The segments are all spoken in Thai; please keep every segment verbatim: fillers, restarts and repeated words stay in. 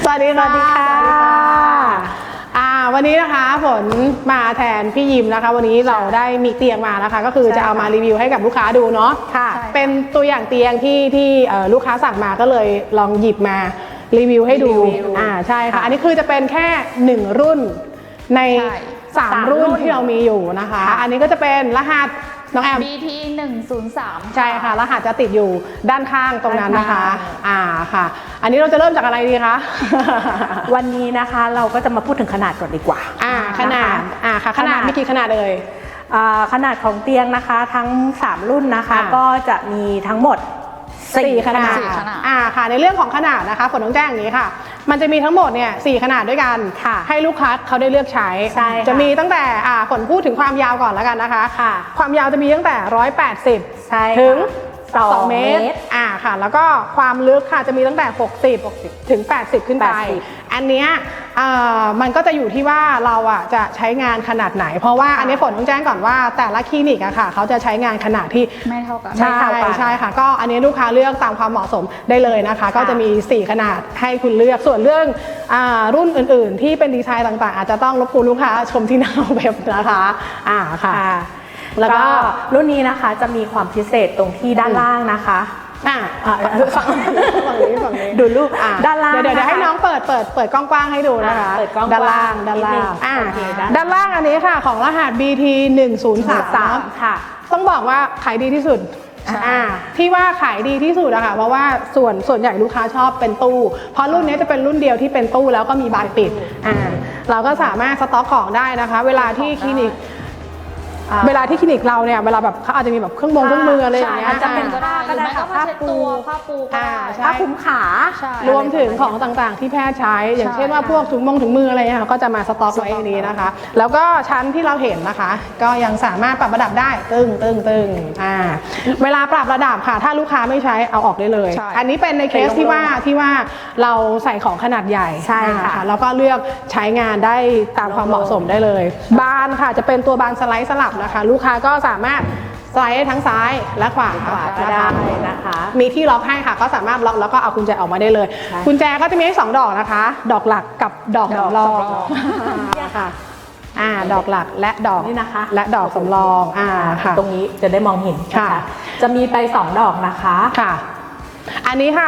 สวัสดีค่ะอ่าวันนี้นะคะฝนมาแทนพี่ยิมนะคะวันนี้เราได้มีเตียงมานะคะก็คือจะเอามารีวิวให้กับลูกค้าดูเนาะค่ะเป็นตัวอย่างเตียงที่ที่ลูกค้าสั่งมาก็เลยลองหยิบมารีวิวให้ดูอ่าใช่ค่ะอันนี้คือจะเป็นแค่หนึ่งรุ่นในสามรุ่นที่เรามีอยู่นะคะอันนี้ก็จะเป็นรหัสน้องแอมบี ที หนึ่งศูนย์สามใช่ค่ะรหัสจะติดอยู่ด้านข้างตรงนั้นนะคะอ่าค่ะอันนี้เราจะเริ่มจากอะไรดีคะวันนี้นะคะเราก็จะมาพูดถึงขนาดก่อนดีกว่าอ่าขนาดอ่าค่ะขนาดมีกี่ขนาดเลยขนาดของเตียงนะคะทั้งสามรุ่นนะคะก็จะมีทั้งหมดสี่ขนาดอ่าค่ะในเรื่องของขนาดนะคะฝนต้องแจ้งอย่างนี้ค่ะมันจะมีทั้งหมดเนี่ยสี่ขนาดด้วยกันให้ลูกค้าเขาได้เลือกใช้จะมีตั้งแต่อ่าฝนพูดถึงความยาวก่อนแล้วกันนะคะความยาวจะมีตั้งแต่หนึ่งร้อยแปดสิบถึงสองเมตรอ่าค่ะแล้วก็ความลึกค่ะจะมีตั้งแต่หกสิบถึงแปดสิบขึ้นไปอันเนี้ยมันก็จะอยู่ที่ว่าเราอ่ะจะใช้งานขนาดไหนเพราะว่าอันนี้ฝนต้องแจ้งก่อนว่าแต่ละคลินิกอะค่ะเขาจะใช้งานขนาดที่ไม่เท่ากันใช่ใช่ค่ะก็อันนี้ลูกค้าเลือกตามความเหมาะสมได้เลยนะคะก็จะมีสี่ขนาดให้คุณเลือกส่วนเรื่องรุ่นอื่นๆที่เป็นดีไซน์ต่างๆอาจจะต้องรบกวนลูกค้าชมที่หน้าเว็บนะคะอ่าค่ะแล้วก็รุ่นนี้นะคะจะมีความพิเศษตรงที่ด้านล่างนะคะอ่าฝั่งนี้ฝั่งนี้ดูรูปด้านล่างเดี๋ยวเดี๋ยวให้น้องเปิดเปิดเปิดกว้างๆให้ดูนะคะด้านล่างด้านล่างอ่าด้านล่างอันนี้ค่ะของรหัส บี ที หนึ่งศูนย์สามค่ะต้องบอกว่าขายดีที่สุดอ่าที่ว่าขายดีที่สุดอะค่ะเพราะว่าส่วนส่วนใหญ่ลูกค้าชอบเป็นตู้เพราะรุ่นนี้จะเป็นรุ่นเดียวที่เป็นตู้แล้วก็มีบานปิดอ่าเราก็สามารถสต็อกของได้นะคะเวลาที่คลินิกเวลาที่คลินิกเราเนี่ยเวลาแบบเขาอาจจะมีแบบเครื่องมือเครื่องมืออะไรอย่างเงี้ยจะเป็นก็ได้ก็ได้ค่ะผ้าปูผ้าปูผ้าคลุมขารวมถึงของต่างๆที่แพทย์ใช้อย่างเช่นว่าพวกถุงมงถุงมืออะไรเนี่ยก็จะมาสต็อกไว้ในนี้นะคะแล้วก็ชั้นที่เราเห็นนะคะก็ยังสามารถปรับระดับได้ตึงตึงตึงอ่าเวลาปรับระดับค่ะถ้าลูกค้าไม่ใช้เอาออกได้เลยอันนี้เป็นในเคสที่ว่าที่ว่าเราใส่ของขนาดใหญ่ใช่ค่ะแล้วก็เลือกใช้งานได้ตามความเหมาะสมได้เลยบานค่ะจะเป็นตัวบานสไลด์สลับนะคะลูกค้าก็สามารถสไลด์ทั้งซ้ายและขวาก็ได้นะคะมีที่ล็อกให้ค่ะก็สามารถล็อกแล้วก็เอากุญแจออกมาได้เลยกุญแจก็จะมีให้สองดอกนะคะดอกหลักกับดอกสำรองค่ะอ่าดอกหลักและดอกนี่นะคะและดอกสำรองอ่าค่ะตรงนี้จะได้มองเห็นค่ะจะมีไปสองดอกนะคะค่ะอันนี้ค่ะ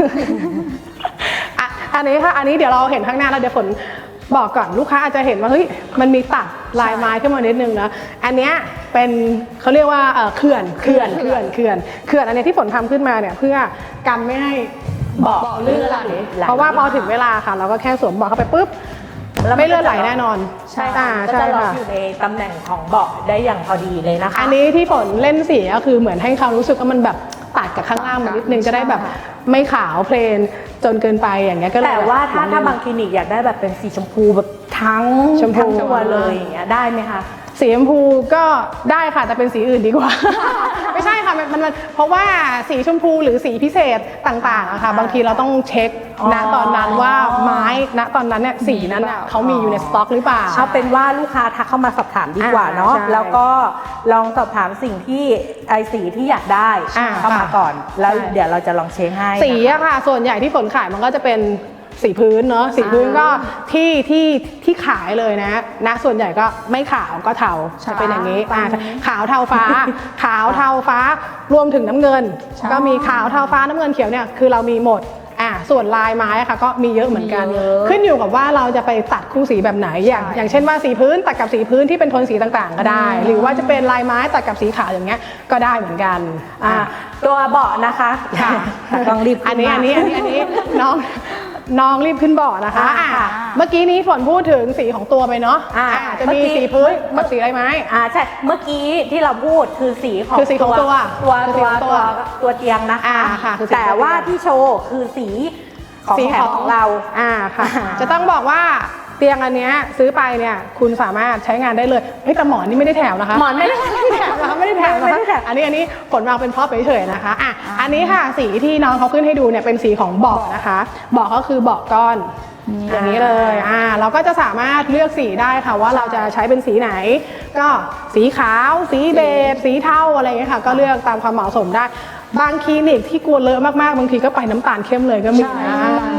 อันนี้ค่ะอันนี้เดี๋ยวเราเห็นข้างหน้าแล้วเดี๋ยวฝนบอกก่อนลูกค้าอาจจะเห็นว่าเฮ้ยมันมีตัดลายไม้ขึ้นมานิดนึงนะอันเนี้ยเป็นเขาเรียกว่าเขื่อนเขื่อนเขื่อนเขื่อนเขื่อนอันนี้ที่ฝนทำขึ้นมาเนี่ยเพื่อกันไม่ให้เบาะเลื่อนไหลเพราะว่าพอถึงเวลาค่ะเราก็แค่สวมเบาะเข้าไปปุ๊บไม่เลื่อนไหลแน่นอนใช่ค่ะก็จะล็อกอยู่ในตำแหน่งของเบาะได้อย่างพอดีเลยนะคะอันนี้ที่ฝนเล่นสีก็คือเหมือนให้เขารู้สึกว่ามันแบบตัดกับข้างล่างมันนิดนึงจะได้แบบไม่ขาวเพลนจนเกินไปอย่างเงี้ยก็เลยแต่ว่าถ้าถ้าบางคลินิกอยากได้แบบเป็นสีชมพูแบบทั้งชมพูตัวเลยอย่างเงี้ยได้ไหมคะสีชมพูก็ได้ค่ะแต่เป็นสีอื่นดีกว่า ไม่ใช่ค่ะมันมันเพราะว่าสีชมพูหรือสีพิเศษต่างๆอะค่ะบางทีเราต้องเช็คณตอนนั้นว่าไม้ณตอนนั้นเนี่ยสีนั้นเขามีอยู่ในสต็อกหรือเปล่าเอาเป็นว่าลูกค้าทักเข้ามาสอบถามดีกว่าเนาะแล้วก็ลองสอบถามสิ่งที่ไอสีที่อยากได้เข้ามาก่อนแล้วเดี๋ยวเราจะลองเช็คให้สีอะค่ะส่วนใหญ่ที่ฝนขายมันก็จะเป็นสีพื้นเนาะสีพื้นก็ที่ที่ที่ขายเลยนะนะส่วนใหญ่ก็ไม่ขาวก็เทาจะเป็นอย่างนี้ขาวเทาฟ้าขาวเทาฟ้ารวมถึงน้ำเงินก็มีขาวเทาฟ้าน้ำเงินเขียวเนี่ยคือเรามีหมดอ่าส่วนลายไม้ค่ะก็มีเยอะเหมือนกันขึ้นอยู่กับว่าเราจะไปตัดคู่สีแบบไหนอย่างอย่างเช่นว่าสีพื้นตัดกับสีพื้นที่เป็นโทนสีต่างๆก็ได้หรือว่าจะเป็นลายไม้ตัดกับสีขาวอย่างเงี้ยก็ได้เหมือนกันอ่าตัวเบาะนะคะต้องรีบอันนี้อันนี้อันนี้อันนี้น้องน้องรีบขึ้นเบาะนะคะเมื่อกี้นี้ฝนพูดถึงสีของตัวไปเนาะจะมีสีพื้นกับสีลายไม้อ่าใช่เมื่อกี้ที่เราพูดคือสีของคือสีของตัวตัวตัวตัวตัวเตียงนะคะแต่ว่าที่โชว์คือสีของแถมของเราอ่าค่ะจะต้องบอกว่าเตียงอันนี้ซื้อไปเนี่ยคุณสามารถใช้งานได้เลยเฮ้ยแต่หมอนนี่ไม่ได้แถมนะคะหมอนไม่ได้แถมนะคะไม่ได้แถมนะคะอันนี้อันนี้ผลวางเป็นพร็อพเฉยๆนะคะอ่ะอันนี้ค่ะสีที่น้องเขาขึ้นให้ดูเนี่ยเป็นสีของเบาะนะคะเบาะก็คือเบาะก้อนอย่างนี้เลยอ่าเราก็จะสามารถเลือกสีได้ค่ะว่าเราจะใช้เป็นสีไหนก็สีขาวสีเบจสีเทาอะไรอย่างเงี้ยค่ะก็เลือกตามความเหมาะสมได้บางคลินิกที่กลัวเลอะมากๆบางทีก็ไปน้ำตาลเข้มเลยก็มีนะ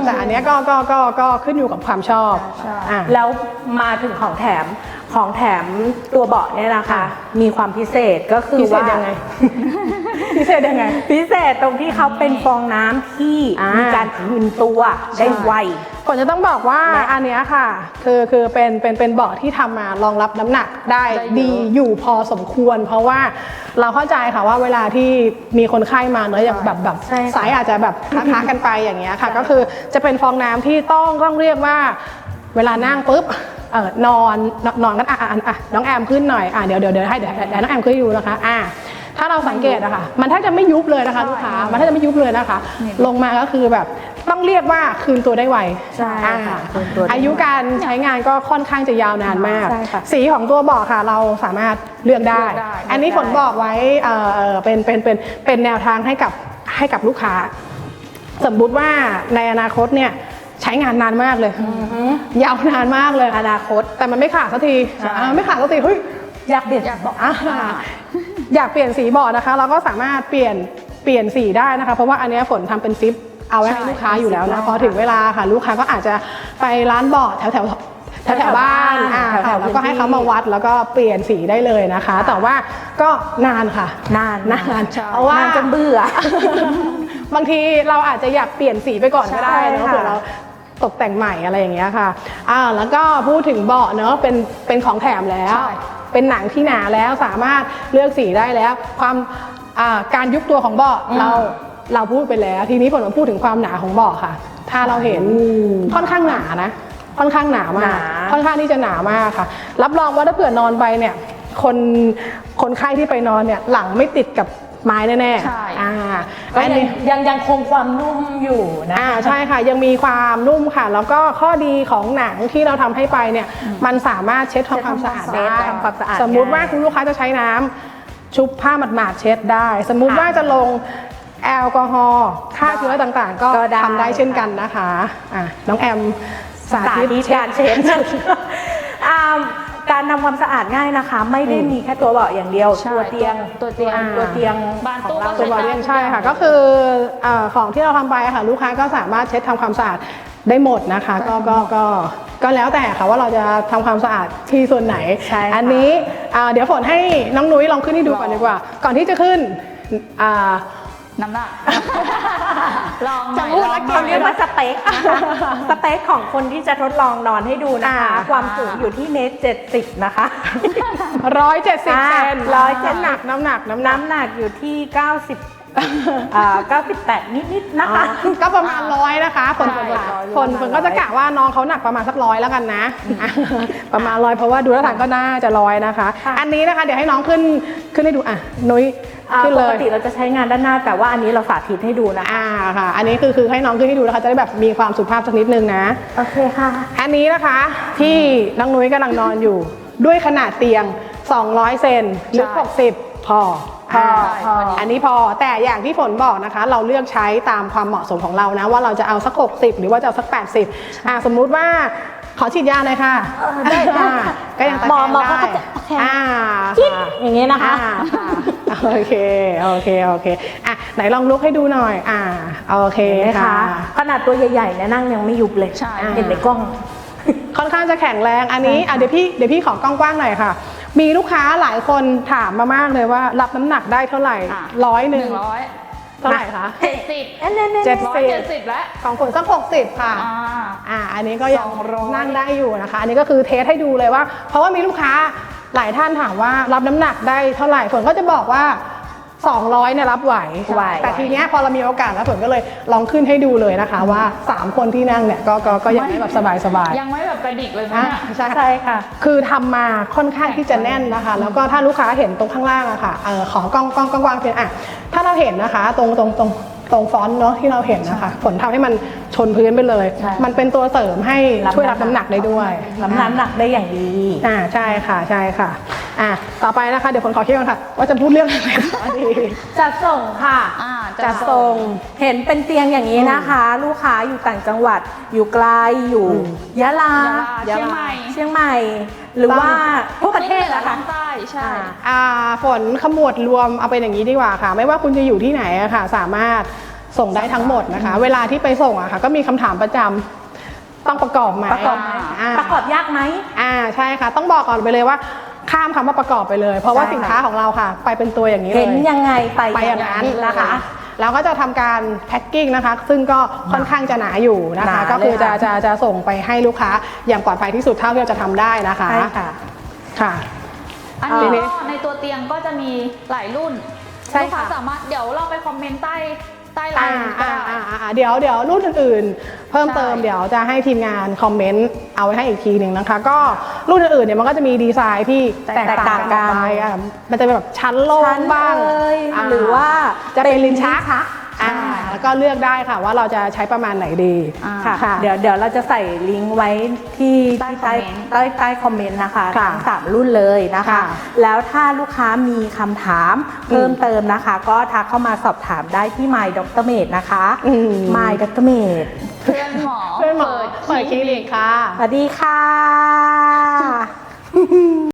แต่อันเนี้ยก็ก็ก็ก็ขึ้นอยู่กับความชอบอ่ะแล้วมาถึงของแถมของแถมตัวเบาะเนี่ยนะคะ มีความพิเศษก็คือพิเศษว่ายังไง พิเศษยังไงพิเศษตรงที่เขาเป็นฟองน้ำที่อ่ามีมีการคืนตัวได้ไวฝนจะต้องบอกว่าและอันเนี้ยค่ะคือคือเป็นเป็นเป็นเบาะที่ทำมารองรับน้ำหนักได้ได้เยอะดีอยู่พอสมควร เพราะว่าเราเข้าใจค่ะว่าเวลาที่มีคนไข้มาเนอะอย่างแบบแบบใช่ค่ะสายอาจจะแบบค้าๆกันไปอย่างเงี้ยค่ะ ก็คือจะเป็นฟองน้ำที่ต้องต้องเรียกว่าเวลานั่งปุ๊บเออนอนนอนนอนกันอ่ะอ่ะอ่ะอ่ะน้องแอมขึ้นหน่อยอ่ะเดี๋ยวเดี๋ยวเดี๋ยวให้เดี๋ยวเดี๋ยวน้องแอมขึ้นให้ดูนะคะอ่ะถ้าเราสังเกตอะค่ะมันแทบจะไม่ยุบเลยนะคะลูกค้ามันแทบจะไม่ยุบเลยนะคะ ลงมาก็คือแบบต้องเรียกว่าคืนตัวได้ไวใช่ค่ะอ่าคืนตัวได้ไวอายุการใช้งานก็ค่อนข้างจะยาวนานมากใช่ค่ะสีของตัวเบาะค่ะเราสามารถเลือกได้เลือกได้อันนี้ฝนบอกไว้เอ่อเอ่อเป็นเป็นเป็นเป็นแนวทางให้กับให้กับลูกค้า สมมุติว่าในอนาคตเนี่ยใช้งานนานมากเลย ยาวนานมากเลยอนาคตแต่มันไม่ขาดสักทีใช่อ่าไม่ขาดสักทีเฮ้ยอยากเปลี่ยนอยากบอกอ่าอยากเปลี่ยนสีเบาะนะคะ เราก็สามารถเปลี่ยนเปลี่ยนสีได้นะคะ เพราะว่าอันเนี้ยฝนทำเป็นซิปเอาไว้ให้ลูกค้าอยู่แล้วนะพอถึงเวลาค่ะลูกค้าก็อาจจะไปร้านเบาะแถวแถวแถวแถวบ้านอ่าแถวๆค่ะแล้วก็ให้พื้นที่เขามาวัดแล้วก็เปลี่ยนสีได้เลยนะคะ แต่ว่าก็นานค่ะนานนานใช่เพราะว่านานจนเบื่อบางทีเราอาจจะอยากเปลี่ยนสีไปก่อนก็ได้เนอะใช่ค่ะเผื่อเราตกแต่งใหม่อะไรอย่างเงี้ยค่ะอ่าแล้วก็พูดถึงเบาะเนอะเป็นเป็นของแถมแล้วใช่เป็นหนังที่หนาแล้วสามารถเลือกสีได้แล้ว ความอ่าการยุบตัวของเบาะเราเราพูดไปแล้ว ทีนี้ผมมาพูดถึงความหนาของเบาะค่ะ ถ้าเราเห็นค่อนข้างหนานะ ค่อนข้างหนามากหนาค่อนข้างที่จะหนามากค่ะ รับรองว่าถ้าเผื่อนอนไปเนี่ยคนคนไข้ที่ไปนอนเนี่ยหลังไม่ติดกับไม้แน่ๆใช่อ่าก็อันยังนี้ยังยังคงความนุ่มอยู่นะอ่าใช่ค่ะยังมีความนุ่มค่ะ แล้วก็ข้อดีของหนังที่เราทำให้ไปเนี่ยมันสามารถเช็ดทำความสะอาดได้ทำความสะอาดสมมุติว่าง่ายคุณลูกค้าจะใช้น้ำชุบผ้าหมาดๆเช็ดได้ สมมุติค่ะว่าจะลงแอลกอฮอล์ฆ่าเชื้อต่างๆ ก็ก็ได้ทำได้เช่นกันนะคะอ่ะน้องแอมสาสาธิตธิตการเช็ดอ่าการทำความสะอาดง่ายนะคะ ไม่ได้มีแค่ตัวเบาะอย่างเดียวใช่ตัวเตียงตัวเตียงอ่าตัวเตียงบานขตู้องเราก็ตัวบอลเลียงใช่ค่ะก็คือเอ่อของที่เราทำไปอะค่ะลูกค้าก็สามารถเช็ดทำความสะอาดได้หมดนะคะก็ก็ก็ก็แล้วแต่ค่ะว่าเราจะทำความสะอาดที่ส่วนไหนใช่ค่ะอันนี้อ่าเดี๋ยวฝนให้น้องนุ้ยลองขึ้นให้ดูก่อนดีกว่า ก่อนที่จะขึ้นอ่าน้ำหนัก ลองหจะน่อยพูดลแล้อวงกิหน่เขาอยเรียกว่าสเปคนะคะสเปคของคนที่จะทดลองนอนให้ดูนะคะอ่าความสูงอยู่ที่เมตรเจ็ดสิบนะคะร้อยเจ็ดสิบอ่าเซนร้อยเจ็ดสิบน้ำหนักน้ำหนักน้ำหนักน้ำหนักอยู่ที่เก้าสิบอ่าเก้าสิบแปดนิดๆนะคะก็ประมาณร้อยนะคะฝนฝนใช่ค่ะฝนฝนก็จะกะว่าน้องเขาหนักประมาณสักร้อยแล้วกันนะ ประมาณร้อยเพราะว่าดูท่าทางก็น่าจะร้อยนะคะค่ะอันนี้นะคะเดี๋ยวให้น้องขึ้นขึ้นให้ดูอ่ะนุ้ยอ่าขึ้นปเลกยติเราจะใช้งานด้านหน้าแต่ว่าอันนี้เราสาธิตให้ดูนะคะอ่าค่ะ อันนี้คือคือให้น้องขึ้นให้ดูนะคะจะได้แบบมีความสุภาพสักนิดนึงนะโอเคค่ะอันนี้นะคะที่น้องนุ้ยกำลังนอนอยู่ ด้วยขนาดเตียง สองร้อย เซนลึกหกสิบพอพออ่าพออันนี้พอแต่อย่างที่ฝนบอกนะคะ เราเลือกใช้ตามความเหมาะสมของเรานะ ว่าเราจะเอาสักหกสิบหรือว่าจะเอาสักแปดสิบอ่าสมมุติว่าขอฉีดยาหน่อยค่ะเออได้ได้อ่าก็ยังตะหมอแคงหมอได้เขาก็จะโอเคอ่าจิ๊ดค่ะอย่างนี้นะคะอ่าค่ะโอเคโอเคโอเคอ่ะไหนลองลุกให้ดูหน่อย อ่าโอเคเห็นไหมค่ะคะขนาดตัวใหญ่ๆเนี่ยนั่งยังไม่ยุบเลยใช่เห็นในกล้องค่อนข้างจะแข็งแรงอันนี้ใช่ค่ะอ่ะเดี๋ยวพี่เดี๋ยวพี่ขอกว้างๆหน่อยค่ะ มีลูกค้าหลายคนถามมามากเลยว่ารับน้ำหนักได้เท่าไหร่อ่ะร้อยหหนึ่นึ่งงร้อยเท่าไหร่คะเจ็ดสิบเอ้ยเนี่ยเนี่ยเจ็ดร้อยเจ็ดสิบแล้วของฝนสักหกสิบค่ะอ่าอ่า อันนี้ก็ยังสองร้อยนั่งได้อยู่นะคะ อันนี้ก็คือเทสให้ดูเลยว่า เพราะว่ามีลูกค้าหลายท่านถามว่ารับน้ำหนักได้เท่าไหร่ฝนก็จะบอกว่าสองร้อยเนี่ยรับไหวไหวแต่ทีเนี้ยพอเรามีโอกาสแล้วฝนก็เลยลองขึ้นให้ดูเลยนะคะ ว่าสามคนที่นั่งเนี่ยก็ก็ก็ยังได้แบบสบายๆยังไม่แบบกระดิกเลยนะอ่ะเนี่ยใช่ใช่ค่ะคือทำมาค่อนข้างที่จะแน่นนะคะ แล้วก็ถ้าลูกค้าเห็นตรงข้างล่างอะค่ะเออของกล้องกล้องกล้องกว้างเป็นอ่ะถ้าเราเห็นนะคะ ตรงตรงตรงตรงฟอนต์เนาะที่เราเห็นนะคะฝนทำให้มันชนพื้นไปเลยใช่มันเป็นตัวเสริมให้รับช่วยรับน้ำหนักได้ด้วยน้ำน้ำหนักได้อย่างดีอ่าใช่ค่ะใช่ค่ะอ่ะต่อไปนะคะเดี๋ยวฝนขอคิดก่อนค่ะ ว่าจะพูดเรื่องอะไรต่อดีจัดส่งค่ะอ่าจัดส่งเห็นเป็นเตียงอย่างนี้นะคะ ลูกค้าอยู่ต่างจังหวัด อยู่ไกลอยู่อืมยะลายะลาเชียงใหม่เชียงใหม่ หรือว่าทั่วประเทศแล้นะวคะทางใต้ใช่อ่าอ่าฝนขมวดรวมเอาเป็นอย่างนี้ดีกว่าค่ะ ไม่ว่าคุณจะอยู่ที่ไหนอะค่ะ สามารถส่งได้ทั้งหมดนะคะ เวลาที่ไปส่งอะค่ะก็มีคำถามประจำต้องประกอบไหมประกอบไหมอ่าประกอบยากไหมอ่าใช่ค่ะต้องบอกก่อนไปเลยว่าข้ามคำว่าประกอบไปเลย เพราะว่าใช่ค่ะสินค้าของเราค่ะ ไปเป็นตัวอย่างนี้เลยเห็นยังไงไปไปอย่างนั้นนะคะแล้วก็จะทำการแพ็คกิ้งนะคะ ซึ่งก็ค่อนข้างจะหนาอยู่นะหคะนาก็คือเลยจะค่ะจะจะส่งไปให้ลูกค้าอย่างปลอดภัยที่สุดเท่าที่เราจะทำได้นะคะใช่ค่ะค่ะอันนี้เอ่อก็ในตัวเตียงก็จะมีหลายรุ่นใช่ลูกค้าค่ะสามารถเดี๋ยวเราไปคอมเมนต์ใต้ใต้ไลอ่าน์ก็อ่าได้อ่าอ่าเดี๋ยวเดี๋ยวรุ่นอื่นๆ เพิ่มเติมใช่เดี๋ยวจะให้ทีมงานคอมเมนต์เอาไว้ให้อีกทีหนึ่งนะคะ ก็รุ่นอื่นๆเนี่ยมันก็จะมีดีไซน์ที่แตกต่างกันออกไปอ่ะมันจะเป็นแบบชั้นโล่งบ้างชั้นเอ่ยาหรือว่าจะเป็นลิ้นชักชักอ่าแล้วก็เลือกได้ค่ะว่าเราจะใช้ประมาณไหนดีอ่าค่ะ เดี๋ยวเดี๋ยวเราจะใส่ลิงก์ไว้ที่ใต้ที่คอมเมนต์ใต้ใต้คอมเมนต์นะคะค่ะทั้งสามรุ่นเลยนะคะค่ะแล้วถ้าลูกค้ามีคำถามเพิ่มเติมนะคะ ก็ทักเข้ามาสอบถามได้ที่ My ดร Med นะคะอืม My ดร Med เพื่อนหมอเพื่อนหมอเปิดคลินิกค่ะสวัสดีค่ะ